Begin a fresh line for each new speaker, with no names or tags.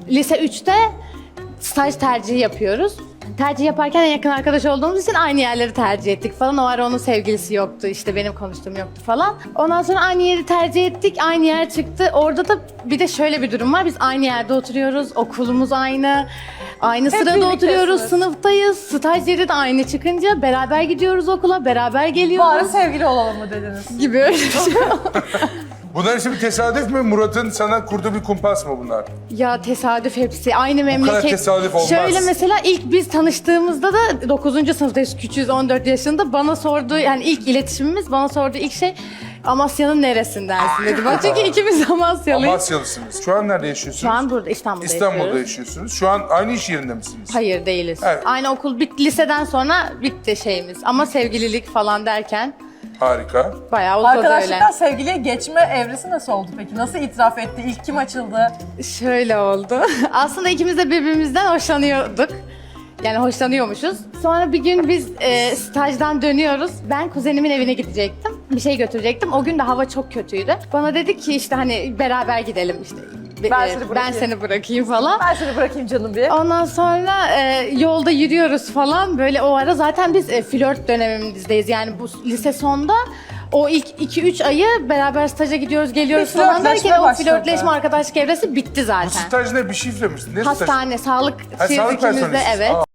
Lise 3'te staj tercihi yapıyoruz. Tercih yaparken en yakın arkadaş olduğumuz için aynı yerleri tercih ettik falan. O ara onun sevgilisi yoktu, işte benim konuştuğum yoktu falan. Ondan sonra aynı yeri tercih ettik, aynı yer çıktı. Orada da bir de şöyle bir durum var. Biz aynı yerde oturuyoruz, okulumuz aynı. Aynı sırada oturuyoruz, sınıftayız. Staj yeri de aynı çıkınca beraber gidiyoruz okula, beraber geliyoruz.
Bari sevgili olalım mı dediniz?
Gibi öyle bir şey.
Bunlar işte bir tesadüf mü? Murat'ın sana kurduğu bir kumpas mı bunlar?
Ya tesadüf hepsi. Aynı memleket.
tesadüf olmaz.
Şöyle mesela ilk biz tanıştığımızda da 9. sınıftayız, küçüğüz, 14 yaşında. Bana sorduğu, yani ilk iletişimimiz, bana sorduğu ilk şey Amasya'nın neresindensin dedi. Ben çünkü ikimiz Amasyalıyız.
Amasyalısınız. Şu an nerede yaşıyorsunuz?
Şu an burada, İstanbul'da
İstanbul'da
yaşıyoruz.
yaşıyorsunuz. Şu an aynı iş yerinde misiniz?
Hayır değiliz.
Evet.
Aynı okul bitti, liseden sonra bitti şeyimiz. Ama sevgililik falan derken
Harika.
bayağı uzadı öyle.
Arkadaşlıktan sevgiliye geçme evresi nasıl oldu peki? Nasıl itiraf etti? İlk kim açıldı?
Şöyle oldu. Aslında ikimiz de birbirimizden hoşlanıyorduk. Yani hoşlanıyormuşuz. Sonra bir gün biz stajdan dönüyoruz. Ben kuzenimin evine gidecektim. Bir şey götürecektim. O gün de hava çok kötüydü. Bana dedi ki işte hani beraber gidelim işte. Ben seni bırakayım falan.
Ben seni bırakayım canım bir.
Ondan sonra yolda yürüyoruz falan. Böyle o ara zaten biz flört dönemimizdeyiz. Yani bu lise sonda o ilk 2-3 ayı beraber staja gidiyoruz, geliyoruz
Bir
falan derken
flörtleşme
o
başladı.
flörtleşme, arkadaşlık evresi bitti
Bu
zaten.
staj ne? Bir şifre mi? Ne staj?
Hastane, sağlık
Ha, sağlık
ikimizde,
personelisiniz.
evet.
Aa.